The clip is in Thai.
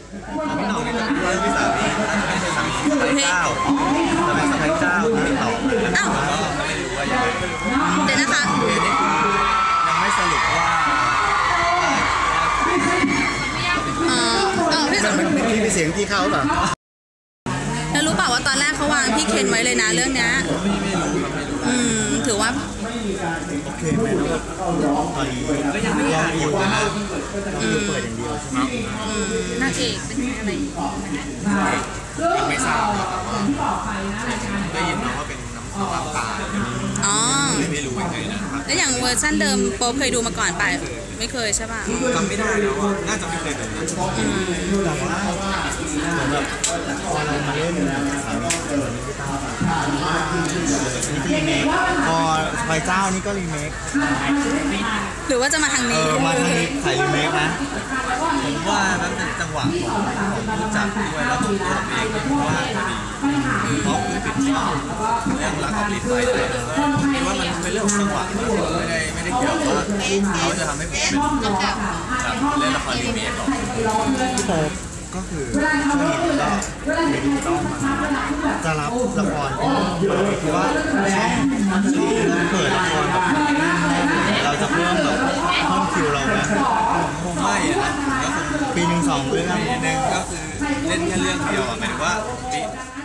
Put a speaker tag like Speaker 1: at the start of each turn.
Speaker 1: พี่หน่องนี่จะเป็นเรื่องพี่สามีไม่ใช่สามีสะใภ้เจ้าจะเป็นสะใภ้เจ้าที่ต่อก็ไม่รู้ว่ายังไง
Speaker 2: เดี๋ยวนะคะ
Speaker 1: ยังไม่สรุปว่า
Speaker 3: พี่มีเสียงที่เข้าเปล่า
Speaker 2: แล้วรู้เปล่าว่าตอนแรกเขาวางพี่เคนไว้เลยนะเรื่องนี้ถือว่า
Speaker 3: โอเคไหมครับตอนนี้ก็ยังไม่อยากอยู่นะเปิดอย่างเดียวใช่ไหม
Speaker 2: นางเอกเป็นอะไร
Speaker 1: ยังไม่ทราบได้ยินมาว่าเป็นน้ำตา
Speaker 2: อ๋อ
Speaker 1: ไม่รู้ยังไงนะครับ
Speaker 2: แล้วอย่างเวอร์ชันเดิมโป๊เคยดูมาก่อนไปไม่เคยใช่ป่ะ
Speaker 1: จำไม่ได้แล้วว่าน่าจะไม่เคยดูนะ
Speaker 3: แต่ว่าเหมือนแบบพอเรามาเล่นสามีนี่รีเมคพอไฟเจ้านี่ก็รีเมค
Speaker 2: หรือว่าจะมาทางนี้
Speaker 3: มาทางนี้ถ่ายรีเมคนะ
Speaker 1: ผมว่านั้นเป็นจังหวะของผู้จัดด้วยแล้วตัวผมเองว่าพอดีเพราะคือติดชอบเรื่องรักกับลิ้นไปเลยคิดว่ามันเป็นเรื่องของจังหวะไม่ได้เกี่ยวว่าเขาจะทำให้ผมเป็นเล่นละครรีเมคหรอก
Speaker 3: พี่โป๊ปก็คือช่วงนี้ก็ไม่ได้ต้องมาจะรับละครคือว่าช่องเปิดละครแบบเราจะเพิ่มแบบห้องคิวเราไหม
Speaker 1: คงไม่นะ
Speaker 3: ปีหนึ่ง2 เรื่อง
Speaker 1: ปีหนึ่งก็คือเล่นแค่เรื่องเดียวหมายถึงว่า